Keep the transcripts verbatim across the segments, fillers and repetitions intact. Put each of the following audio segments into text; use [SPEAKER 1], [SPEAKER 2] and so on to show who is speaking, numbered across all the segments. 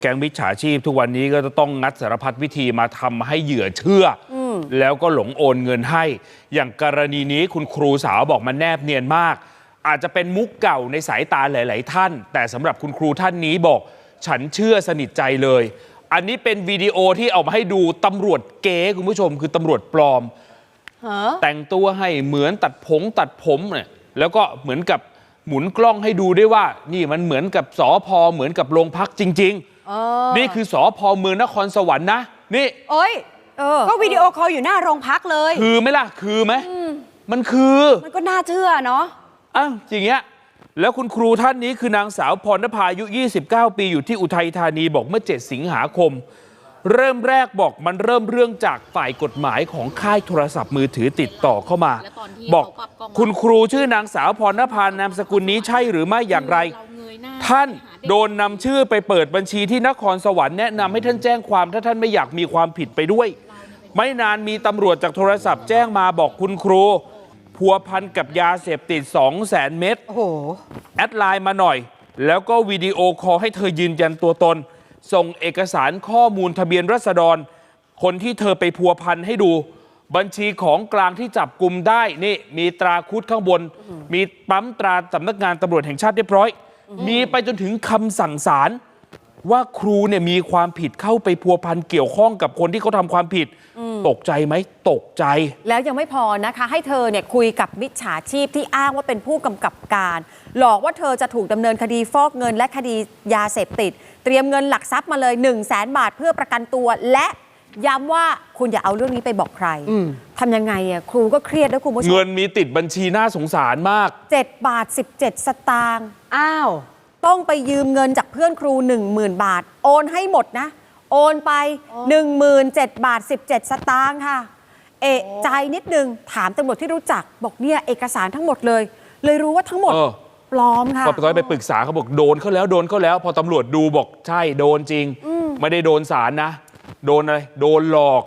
[SPEAKER 1] แก๊งมิจฉาชีพทุกวันนี้ก็จะต้องงัดสารพัดวิธีมาทำให้เหยื่อเชื่อแล้วก็หลงโอนเงินให้อย่างกรณีนี้คุณครูสาวบอกมันแนบเนียนมากอาจจะเป็นมุกเก่าในสายตาหลายๆท่านแต่สำหรับคุณครูท่านนี้บอกฉันเชื่อสนิทใจเลยอันนี้เป็นวิดีโอที่เอามาให้ดูตำรวจเก๋คุณผู้ชมคือตำรวจปลอมแต่งตัวให้เหมือนตัดผมตัดผมเนี่ยแล้วก็เหมือนกับหมุนกล้องให้ดูด้วยว่านี่มันเหมือนกับสภ.เหมือนกับโรงพักจริงๆนี่คือสภ.เมืองนครสวรรค์นะนี่
[SPEAKER 2] โอ้ยก็วิดีโอคอลอยู่หน้าโรงพักเลย
[SPEAKER 1] คือไหมล่ะคือไหมมันคือ
[SPEAKER 2] มันก็น่าเชื่อเนาะ
[SPEAKER 1] อ้าวอย่างเงี้ยแล้วคุณครูท่านนี้คือนางสาวพรณภาอายุยี่สิบเก้าปีอยู่ที่อุทัยธานีบอกเมื่อเจ็ดสิงหาคมเริ่มแรกบอกมันเริ่มเรื่องจากฝ่ายกฎหมายของค่ายโทรศัพท์มือถือติดต่อเข้ามาบอกคุณครูชื่อนางสาวพรณภานามสกุลนี้ใช่หรือไม่อย่างไรท่านโดนนำชื่อไปเปิดบัญชีที่นครสวรรค์แนะนำให้ท่านแจ้งความถ้าท่านไม่อยากมีความผิดไปด้วยไม่นานมีตำรวจจากโทรศัพท์แจ้งมาบอกคุณครูพัวพันกับยาเสพติด สองแสน เม็ดโอ้โหแอดไลน์มาหน่อยแล้วก็วิดีโอคอลให้เธอยืนยันตัวตนส่งเอกสารข้อมูลทะเบียนราษฎรคนที่เธอไปพัวพันให้ดูบัญชีของกลางที่จับกุมได้นี่มีตราคุดข้างบนมีปั๊มตราสำนักงานตำรวจแห่งชาติเรียบร้อยมีไปจนถึงคำสั่งศาลว่าครูเนี่ยมีความผิดเข้าไปพัวพันเกี่ยวข้องกับคนที่เขาทำความผิดตกใจไหมตกใจ
[SPEAKER 2] แล้วยังไม่พอนะคะให้เธอเนี่ยคุยกับมิจฉาชีพที่อ้างว่าเป็นผู้กำกับการหลอกว่าเธอจะถูกดำเนินคดีฟอกเงินและคดียาเสพติดเตรียมเงินหลักทรัพย์มาเลย หนึ่งแสน บาทเพื่อประกันตัวและย้ำว่าคุณอย่าเอาเรื่องนี้ไปบอกใครทำยังไงอ่ะครูก็เครียดด้วยคุณผู้ชม
[SPEAKER 1] เงินมีติดบัญชีน่าสงสารมาก
[SPEAKER 2] เจ็ดบาทสิบเจ็ดสตางค์อ้าวต้องไปยืมเงินจากเพื่อนครู หนึ่งหมื่น บาทโอนให้หมดนะโอนไป หนึ่งหมื่นเจ็ด บาทสิบเจ็ดสตางค์ค่ะเอะใจนิดนึงถามตำรวจที่รู้จักบอกเนี่ยเอกสารทั้งหมดเลยเลยรู้ว่าทั้งหมดปลอมค่ะ
[SPEAKER 1] พอตอนไปปรึกษาเขาบอกโดนเขาแล้วโดนเขาแล้วพอตำรวจดูบอกใช่โดนจริงไม่ได้โดนศาลนะโดนอะไรโดนหลอก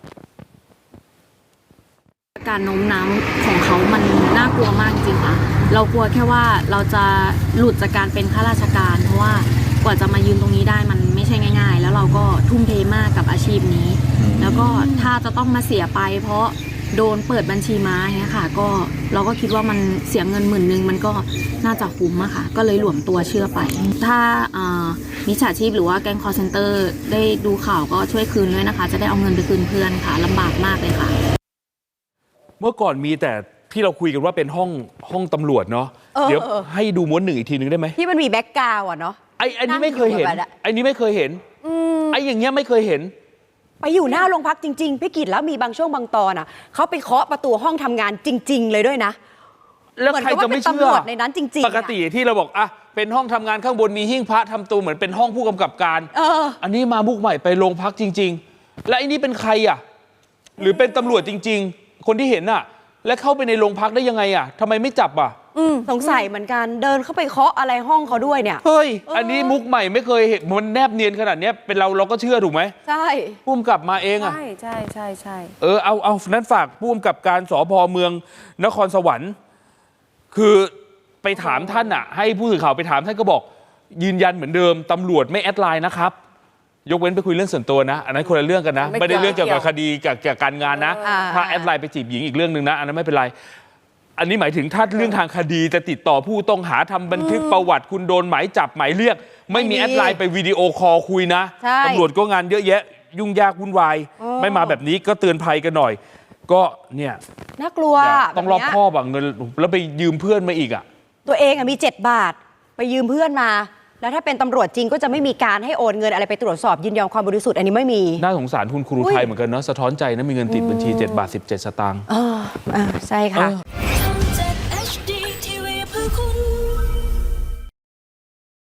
[SPEAKER 3] การโน้มน้าวของเขามันน่ากลัวมากจริงค่ะเรากลัวแค่ว่าเราจะหลุดจากการเป็นข้าราชการเพราะว่ากว่าจะมายืนตรงนี้ได้มันไม่ใช่ง่ายๆแล้วเราก็ทุ่มเทมากกับอาชีพนี้แล้วก็ถ้าจะต้องมาเสียไปเพราะโดนเปิดบัญชีม้าเงี้ยค่ะก็เราก็คิดว่ามันเสียเงินหมื่นนึงมันก็น่าจะคุ้มอะค่ะก็เลยหลวมตัวเชื่อไปถ้ามิจฉาชีพหรือว่าแก๊งคอลเซ็นเตอร์ได้ดูข่าวก็ช่วยคืนด้วยนะคะจะได้เอาเงินไปคืนเพื่อนค่ะลำบากมากเลยค่ะ
[SPEAKER 1] เมื่อก่อนมีแต่ที่เราคุยกันว่าเป็นห้องห้องตำรวจเนาะเดี๋ยวให้ดูม้วนหนึ่งอีกทีนึงได้ไหม
[SPEAKER 2] ที่มันมีแบ็กกราวด์อะเนาะ
[SPEAKER 1] ไอ้ไอ้นี่ไม่เคยเห็นไอ้นี่ไม่เคยเห็นไอ้อย่างเงี้ยไม่เคยเห็น
[SPEAKER 2] ไปอยู่หน้าโรงพักจริงๆพี่กิตแล้วมีบางช่วงบางตอนอ่ะเขาไปเคาะประตูห้องทำงานจริงๆเลยด้วยนะ
[SPEAKER 1] แล้วใครจะไม่เชื่อ
[SPEAKER 2] ในนั้นจริง
[SPEAKER 1] ๆปกติที่เราบอกอ่ะเป็นห้องทำงานข้างบนมีหิ้งพระทำตัวเหมือนเป็นห้องผู้กำกับการ
[SPEAKER 2] เออ
[SPEAKER 1] อันนี้มามุกใหม่ไปโรงพักจริงๆและไอ้นี่เป็นใครอ่ะหรือเป็นตำรวจจริงๆคนที่เห็นอ่ะและเข้าไปในโรงพักได้ยังไงอ่ะทำไมไม่จับอ่ะ
[SPEAKER 2] สงสัยเหมือนกันเดินเข้าไปเคาะอะไรห้องเขาด้วยเนี่ย
[SPEAKER 1] เฮ้ยอันนี้มุกใหม่ไม่เคยเห็นมันแนบเนียนขนาดนี้เป็นเราเราก็เชื่อถูกไหม
[SPEAKER 2] ใช่
[SPEAKER 1] ผู้กำกับมาเองอ่ะ
[SPEAKER 2] ใช่ใช่ใช่ใช่
[SPEAKER 1] เออเอาเอานั้นฝากผู้กำกับการสภ.เมืองนครสวรรค์คือไปถามท่านอ่ะให้ผู้สื่อข่าวไปถามท่านก็บอกยืนยันเหมือนเดิมตำรวจไม่แอดไลน์นะครับยกเว้นไปคุยเรื่องส่วนตัวนะอันนั้นคนละเรื่องกันนะไม่ได้เรื่องเกี่ยวกับคดีกับเกี่ยวกับการงานนะถ้าแอดไลน์ไปจีบหญิงอีกเรื่องนึงนะอันนั้นไม่เป็นไรอันนี้หมายถึงถ้าเรื่องทางคดีจะติดต่อผู้ต้องหาทำบันทึกประวัติคุณโดนหมายจับหมายเรียกไม่มีแอดไลน์ไปวิดีโอคอลคุยนะตำรวจก็งานเยอะแยะยุ่งยากวุ่นวายไม่มาแบบนี้ก็เตือนภัยกันหน่อยก็เนี่ย
[SPEAKER 2] น่ากลัว
[SPEAKER 1] ต้องรอบคอบอ่ะเงินแล้วไปยืมเพื่อนมาอีกอ่ะ
[SPEAKER 2] ตัวเองอ่ะมีเจ็ดบาทไปยืมเพื่อนมาแล้วถ้าเป็นตำรวจจริงก็จะไม่มีการให้โอนเงินอะไรไปตรวจสอบยินยอมความบริสุทธิ์อันนี้ไม่มี
[SPEAKER 1] น่าสงสารคุณครูไทยเหมือนกันเนาะสะท้อนใจนะมีเงินติดบัญชีเจ็ดบาทสิบเจ็ดสตางค์
[SPEAKER 2] อ๋อใช่ค่ะ